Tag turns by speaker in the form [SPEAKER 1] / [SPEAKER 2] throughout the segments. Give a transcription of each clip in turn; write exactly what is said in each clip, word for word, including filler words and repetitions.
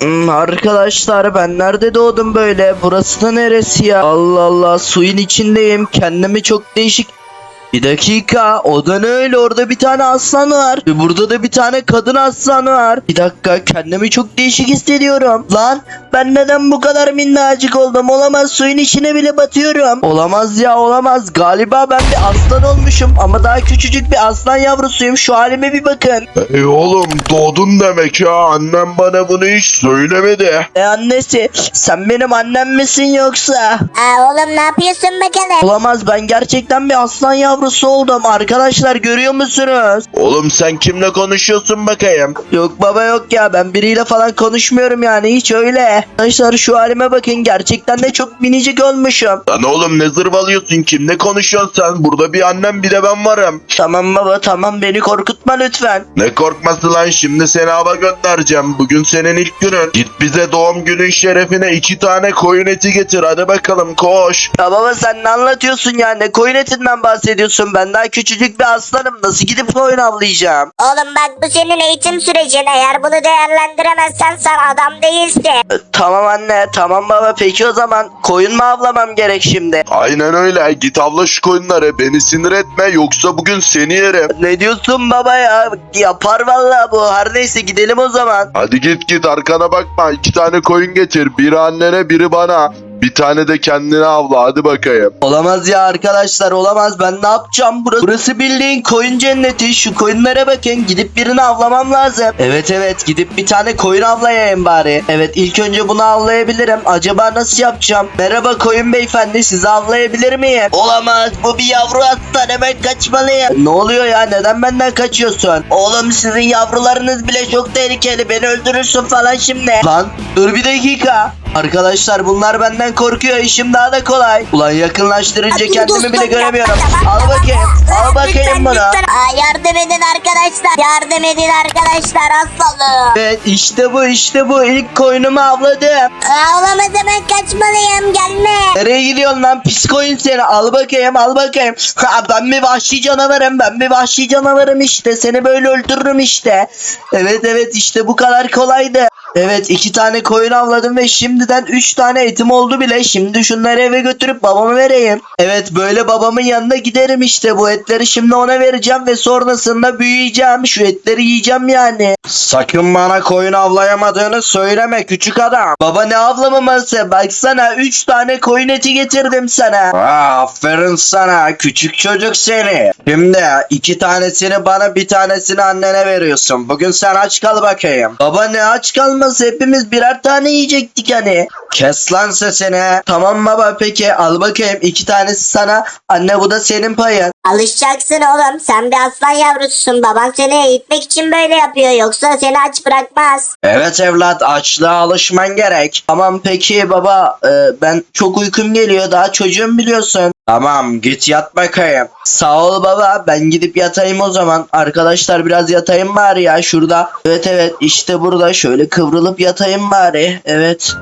[SPEAKER 1] Hmm, arkadaşlar ben nerede doğdum böyle? Burası da neresi ya? Allah Allah, suyun içindeyim. Kendimi çok değişik... Bir dakika, o da ne öyle? Orada bir tane aslan var. Ve burada da bir tane kadın aslan var. Bir dakika, kendimi çok değişik hissediyorum. Lan ben neden bu kadar minnacık oldum? Olamaz, suyun içine bile batıyorum. Olamaz ya, olamaz. Galiba ben bir aslan olmuşum. Ama daha küçücük bir aslan yavrusuyum. Şu halime bir bakın.
[SPEAKER 2] Ey oğlum, doğdun demek ya. Annem bana bunu hiç söylemedi.
[SPEAKER 1] E annesi, sen benim annem misin yoksa?
[SPEAKER 3] Aa, oğlum ne yapıyorsun bakalım?
[SPEAKER 1] Olamaz, ben gerçekten bir aslan yavrusu oldum. Arkadaşlar görüyor musunuz?
[SPEAKER 2] Oğlum sen kimle konuşuyorsun bakayım?
[SPEAKER 1] Yok baba, yok ya, ben biriyle falan konuşmuyorum yani, hiç öyle. Arkadaşlar şu halime bakın, gerçekten de çok minicik olmuşum.
[SPEAKER 2] Lan oğlum ne zırvalıyorsun? Kimle konuşuyorsun sen? Burada bir annem bir de ben varım.
[SPEAKER 1] Tamam baba, tamam, beni korkutma lütfen.
[SPEAKER 2] Ne korkması lan, şimdi seni hava göndereceğim. Bugün senin ilk günün. Git bize doğum günün şerefine iki tane koyun eti getir. Hadi bakalım koş.
[SPEAKER 1] Ya baba, sen ne anlatıyorsun ya? Ne koyun etinden bahsediyorsun? Ben daha küçücük bir aslanım. Nasıl gidip koyun avlayacağım?
[SPEAKER 3] Oğlum bak, bu senin eğitim sürecin. Eğer bunu değerlendiremezsen sen adam değilsin.
[SPEAKER 1] E, Tamam anne, tamam baba. Peki o zaman koyun mu avlamam gerek şimdi?
[SPEAKER 2] Aynen öyle. Git avla şu koyunları. Beni sinir etme, yoksa bugün seni yerim.
[SPEAKER 1] Ne diyorsun baba ya? Yapar vallahi bu. Her neyse, gidelim o zaman.
[SPEAKER 2] Hadi git git, arkana bakma. İki tane koyun getir. Biri annene, biri bana. Bir tane de kendine avla. Hadi bakayım.
[SPEAKER 1] Olamaz ya arkadaşlar, olamaz. Ben ne yapacağım? Burası, burası bildiğin koyun cenneti. Şu koyunlara bakın. Gidip birini avlamam lazım. Evet evet, gidip bir tane koyun avlayayım bari. Evet, ilk önce bunu avlayabilirim. Acaba nasıl yapacağım? Merhaba koyun beyefendi, sizi avlayabilir miyim? Olamaz, bu bir yavru aslan, hemen kaçmalıyım. Ne oluyor ya, neden benden kaçıyorsun? Oğlum, sizin yavrularınız bile çok tehlikeli. Beni öldürürsün falan şimdi. Lan dur bir dakika. Arkadaşlar bunlar benden korkuyor, işim daha da kolay. Ulan yakınlaştırınca
[SPEAKER 3] Hadi
[SPEAKER 1] kendimi
[SPEAKER 3] dostum,
[SPEAKER 1] bile göremiyorum.
[SPEAKER 3] yapma,
[SPEAKER 1] Al
[SPEAKER 3] yapma,
[SPEAKER 1] bakayım,
[SPEAKER 3] yapma.
[SPEAKER 1] al bakayım
[SPEAKER 3] Lütfen,
[SPEAKER 1] bunu.
[SPEAKER 3] lütfen. Aa, yardım edin arkadaşlar. Yardım edin arkadaşlar, aslanım.
[SPEAKER 1] Evet, işte bu, işte bu. İlk koyunumu avladım.
[SPEAKER 3] Aa, olamaz, hemen kaçmalıyım, gelme.
[SPEAKER 1] Nereye gidiyorsun lan pis koyun seni? Al bakayım, al bakayım. Ha, ben bir vahşi canavarım, ben bir vahşi canavarım işte. Seni böyle öldürürüm işte. Evet evet, işte bu kadar kolaydı. Evet, iki tane koyun avladım ve şimdiden üç tane etim oldu bile. Şimdi şunları eve götürüp babama vereyim. Evet, böyle babamın yanına giderim işte. Bu etleri şimdi ona vereceğim ve sonrasında büyüyeceğim. Şu etleri yiyeceğim yani. Sakın bana koyun avlayamadığını söyleme küçük adam. Baba ne avlamaması? Baksana, üç tane koyun eti getirdim sana. Aa, aferin sana küçük çocuk seni. Şimdi iki tanesini bana, bir tanesini annene veriyorsun. Bugün sen aç kal bakayım. Baba ne aç kalma, hepimiz birer tane yiyecektik hani. Kes lan sesini. Tamam baba, peki al bakayım, iki tanesi sana. Anne, bu da senin payın.
[SPEAKER 3] Alışacaksın oğlum. Sen bir aslan yavrususun. Baban seni eğitmek için böyle yapıyor. Yoksa seni aç bırakmaz.
[SPEAKER 1] Evet evlat, açlığa alışman gerek. Tamam peki baba, e, ben çok uykum geliyor, daha çocuğum biliyorsun. Tamam, git yat bakayım. Sağ ol baba, ben gidip yatayım o zaman. Arkadaşlar biraz yatayım bari ya şurada. Evet evet, işte burada şöyle kıvrılıp yatayım bari. Evet.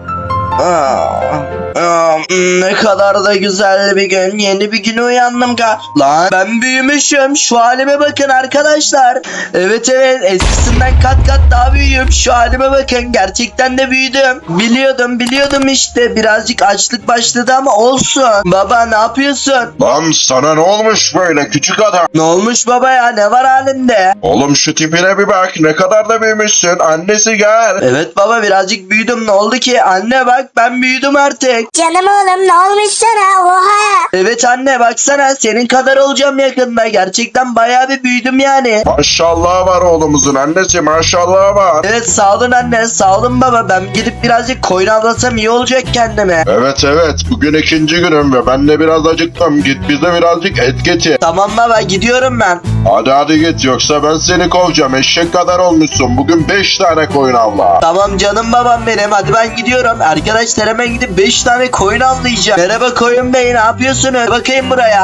[SPEAKER 1] Aa, aa, ne kadar da güzel bir gün. Yeni bir güne uyandım ka. Lan ben büyümüşüm. Şu halime bakın arkadaşlar. Evet evet, eskisinden kat kat daha büyüğüm. Şu halime bakın, gerçekten de büyüdüm. Biliyordum biliyordum işte. Birazcık açlık başladı ama olsun. Baba ne yapıyorsun?
[SPEAKER 2] Lan sana ne olmuş böyle küçük adam?
[SPEAKER 1] Ne olmuş baba ya, ne var halinde?
[SPEAKER 2] Oğlum şu tipine bir bak, ne kadar da büyümüşsün. Annesi gel.
[SPEAKER 1] Evet baba, birazcık büyüdüm. Ne oldu ki? Anne bak, ben büyüdüm artık.
[SPEAKER 3] Canım oğlum, ne olmuş sana? Oha.
[SPEAKER 1] Evet anne, baksana, senin kadar olacağım yakında. Gerçekten bayağı bir büyüdüm yani.
[SPEAKER 2] Maşallah var oğlumuzun annesi, maşallah var.
[SPEAKER 1] Evet sağ olun anne, sağ olun baba. Ben gidip birazcık koyun avlasam iyi olacak kendime.
[SPEAKER 2] Evet evet, bugün ikinci günüm ve ben de biraz acıktım. Git bize birazcık et getir.
[SPEAKER 1] Tamam baba, gidiyorum ben.
[SPEAKER 2] Hadi hadi git, yoksa ben seni kovacağım. Eşek kadar olmuşsun. Bugün beş tane koyun avla.
[SPEAKER 1] Tamam canım babam benim, hadi ben gidiyorum. Arkadaşlar hemen gidip beş tane koyun avlayacağım. Merhaba koyun bey, ne yapıyorsunuz? Bakayım buraya.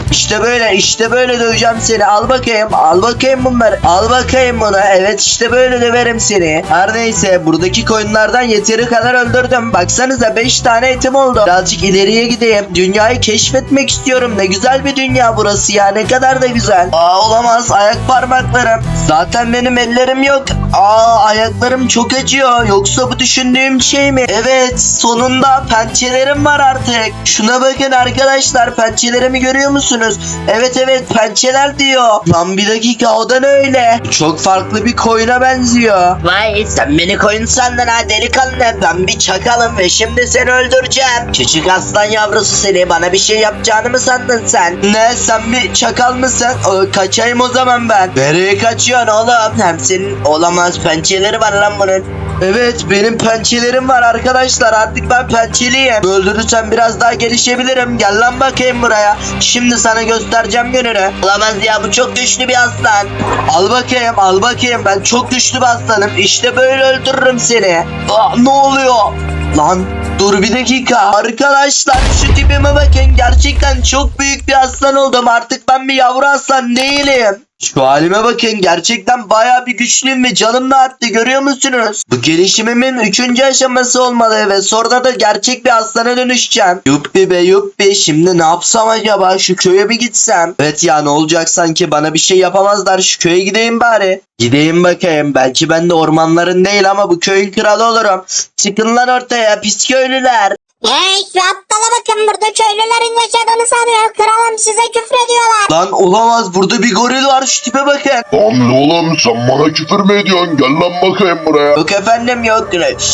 [SPEAKER 1] İşte böyle işte böyle döveceğim seni. Al bakayım al bakayım bunları. Al bakayım bunu. Evet işte böyle döverim seni. Her neyse buradaki koyunlardan yeteri kadar öldürdüm. Baksanıza beş tane etim oldu. Birazcık ileriye gideyim. Dünyayı keşfetmek istiyorum. Ne güzel bir dünya burası ya. Ne kadar da güzel. Aa olamaz. Ayak parmaklarım. Zaten benim ellerim yok. Aa ayaklarım çok acıyor. Yoksa bu düşündüğüm şey mi? Evet sonunda pençelerim var artık. Şuna bakın arkadaşlar. Pençelerimi görüyor musunuz? Evet evet pençeler diyor. Lan bir dakika o da ne öyle? Çok farklı bir koyuna benziyor. Vay sen beni koyun sandın ha delikanlı. Ben bir çakalım ve şimdi seni öldüreceğim. Küçük aslan yavrusu seni bana bir şey yapacağını mı sandın sen? Ne sen bir çakal mısın? O, kaçayım o zaman ben. Nereye kaçıyorsun oğlum? Hem senin olamaz pençeleri var lan bunun. Evet benim pençelerim var arkadaşlar artık ben pençeliyim. Öldürürsem biraz daha gelişebilirim. Gel lan bakayım buraya. Şimdi sana göstereceğim gününü. Olamaz ya bu çok güçlü bir aslan. Al bakayım al bakayım ben çok güçlü bir aslanım. İşte böyle öldürürüm seni. Aa, ne oluyor? Lan dur bir dakika. Arkadaşlar şu tipime bakın. Gerçekten çok büyük bir aslan oldum. Artık ben bir yavru aslan değilim. Şu halime bakın gerçekten bayağı bir güçlüyüm ve canım da arttı görüyor musunuz? Bu gelişimimin üçüncü aşaması olmalı ve sonra da gerçek bir aslana dönüşeceğim. Yuppi be yuppi şimdi ne yapsam acaba şu köye bir gitsem? Evet ya ne olacak sanki bana bir şey yapamazlar şu köye gideyim bari. Gideyim bakayım belki ben de ormanların değil ama bu köyün kralı olurum. Çıkın lan ortaya pis köylüler.
[SPEAKER 3] Hey şu aptala bakın burada köylülerin yaşadığını sanıyor. Kralım size küfrediyorlar.
[SPEAKER 1] Lan olamaz burada bir goril var şu tipe bakın.
[SPEAKER 2] Lan oğlum sen bana küfür mü ediyorsun? Gel lan bakayım buraya.
[SPEAKER 1] Yok efendim yok.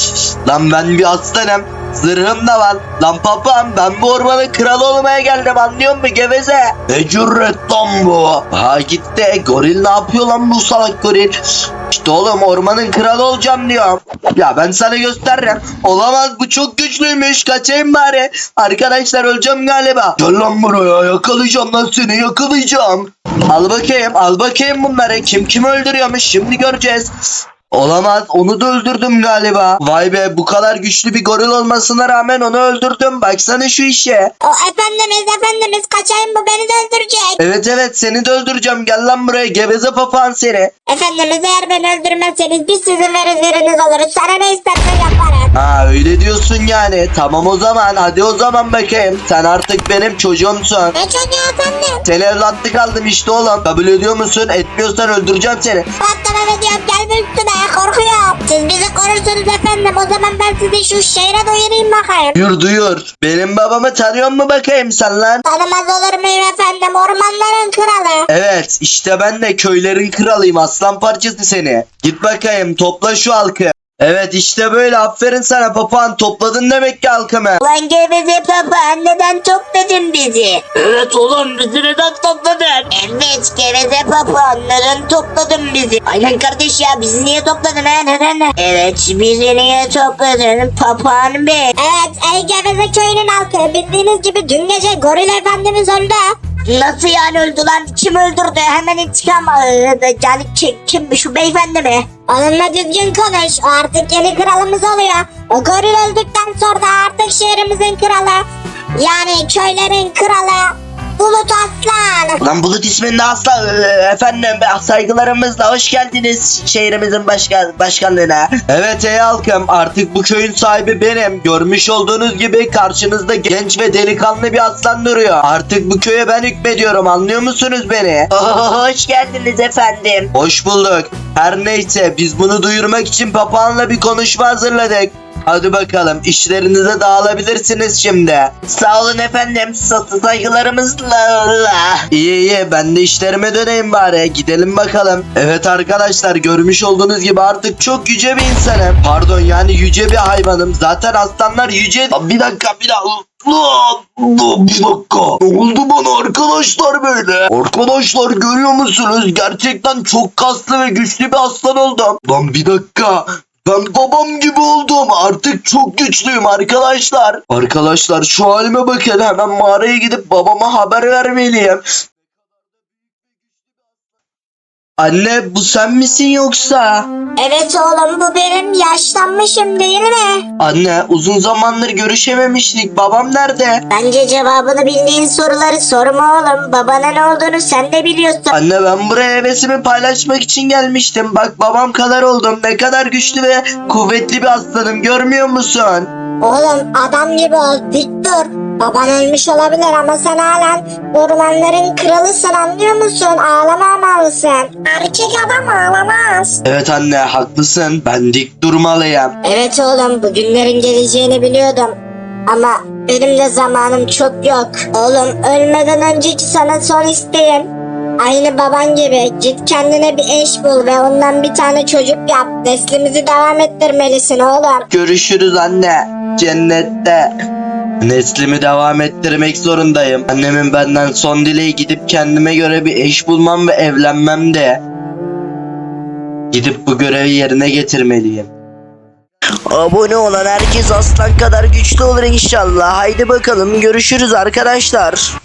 [SPEAKER 1] Lan ben bir aslanım. Zırhım da var. Lan papam ben bu ormanın kralı olmaya geldim anlıyor musun geveze? Ne cüret lan bu? Ha gitti. Goril ne yapıyor lan bu salak goril? İşte oğlum ormanın kralı olacağım diyorum. Ya ben sana gösteririm. Olamaz bu çok güçlüymüş. Kaçayım bari. Arkadaşlar öleceğim galiba. Gel lan buraya yakalayacağım lan seni yakalayacağım. Al bakayım al bakayım bunları. Kim kimi öldürüyormuş şimdi göreceğiz. Olamaz onu da öldürdüm galiba. Vay be bu kadar güçlü bir goril olmasına rağmen onu öldürdüm. Baksana şu işe.
[SPEAKER 3] O efendimiz efendimiz kaçayım bu beni de öldürecek.
[SPEAKER 1] Evet evet seni de öldüreceğim. Gel lan buraya geveze papağan seni.
[SPEAKER 3] Efendimiz eğer beni öldürmezseniz biz sizin verizleriniz oluruz. Sana ne istersen yaparım.
[SPEAKER 1] Ha öyle diyorsun yani. Tamam o zaman hadi o zaman bakayım. Sen artık benim çocuğumsun.
[SPEAKER 3] Ne çocuğu efendim?
[SPEAKER 1] Seni evlatlık aldım işte oğlum. Kabul ediyor musun? Etmiyorsan öldüreceğim seni.
[SPEAKER 3] Patlamam ediyorum gelme üstüme korkuyorum. Siz bizi korursunuz efendim o zaman ben sizi şu şehre doyurayım bakayım.
[SPEAKER 1] Duyur duyur. Benim babamı tanıyor mu bakayım sen lan?
[SPEAKER 3] Tanımaz olur muyum efendim ormanların kralı.
[SPEAKER 1] Evet işte ben de köylerin kralıyım aslan parçası seni. Git bakayım topla şu halkı. Evet işte böyle aferin sana papağan topladın demek ki halkımı.
[SPEAKER 3] Lan geveze papağan neden topladın bizi?
[SPEAKER 1] Evet oğlum bizi neden topladın?
[SPEAKER 3] Evet geveze papağan neden topladın bizi? Aynen kardeş ya bizi niye topladın ha neden? Evet bizi niye topladın papağan bey? Evet ey geveze köyünün halkı bildiğiniz gibi dün gece goril efendimiz öldü. Nasıl yani öldü lan? Kim öldürdü? Hemen intikam aldı. Yani kim, kim şu beyefendi mi? Onunla düzgün konuş. O artık yeni kralımız oluyor. O goril öldükten sonra artık şehrimizin kralı. Yani köylerin kralı. Bulut Aslan.
[SPEAKER 1] Lan Bulut isminde asla efendim saygılarımızla hoş geldiniz şehrimizin başkan başkanlığına. Evet ey halkım artık bu köyün sahibi benim. Görmüş olduğunuz gibi karşınızda genç ve delikanlı bir aslan duruyor. Artık bu köye ben hükmediyorum anlıyor musunuz beni?
[SPEAKER 3] Oh, hoş geldiniz efendim.
[SPEAKER 1] Hoş bulduk. Her neyse biz bunu duyurmak için papağanla bir konuşma hazırladık. Hadi bakalım işlerinize dağılabilirsiniz şimdi.
[SPEAKER 3] Sağ olun efendim. Satı saygılarımızla.
[SPEAKER 1] İyi iyi ben de işlerime döneyim bari. Gidelim bakalım. Evet arkadaşlar görmüş olduğunuz gibi artık çok yüce bir insanım. Pardon yani yüce bir hayvanım. Zaten aslanlar yüce. Aa, bir dakika bir dakika. Aa, bir dakika. Ne oldu bana arkadaşlar böyle? Arkadaşlar görüyor musunuz? Gerçekten çok kaslı ve güçlü bir aslan oldum. Lan bir dakika. Ben babam gibi oldum. Artık çok güçlüyüm arkadaşlar. Arkadaşlar şu halime bakın. Hemen mağaraya gidip babama haber vermeliyim. Anne bu sen misin yoksa?
[SPEAKER 3] Evet oğlum bu benim, yaşlanmışım değil mi?
[SPEAKER 1] Anne uzun zamandır görüşememiştik. Babam nerede?
[SPEAKER 3] Bence cevabını bildiğin soruları sorma oğlum. Babana ne olduğunu sen de biliyorsun.
[SPEAKER 1] Anne ben buraya hevesimi paylaşmak için gelmiştim. Bak babam kadar oldum. Ne kadar güçlü ve kuvvetli bir aslanım, görmüyor musun?
[SPEAKER 3] Oğlum adam gibi ol, dik dur. Baban ölmüş olabilir ama sen halen ormanların kralısın, anlıyor musun? Ağlamamalısın. Erkek adam ağlamaz.
[SPEAKER 1] Evet anne haklısın. Ben dik durmalıyım.
[SPEAKER 3] Evet oğlum, bu günlerin geleceğini biliyordum. Ama benim de zamanım çok yok. Oğlum ölmeden önceki sana son isteğim. Aynı baban gibi git kendine bir eş bul ve ondan bir tane çocuk yap. Neslimizi devam ettirmelisin oğlum.
[SPEAKER 1] Görüşürüz anne. Cennette. Neslimi devam ettirmek zorundayım. Annemin benden son dileği gidip kendime göre bir eş bulmam ve evlenmem de. Gidip bu görevi yerine getirmeliyim. Abone olan herkes aslan kadar güçlü olur inşallah. Haydi bakalım görüşürüz arkadaşlar.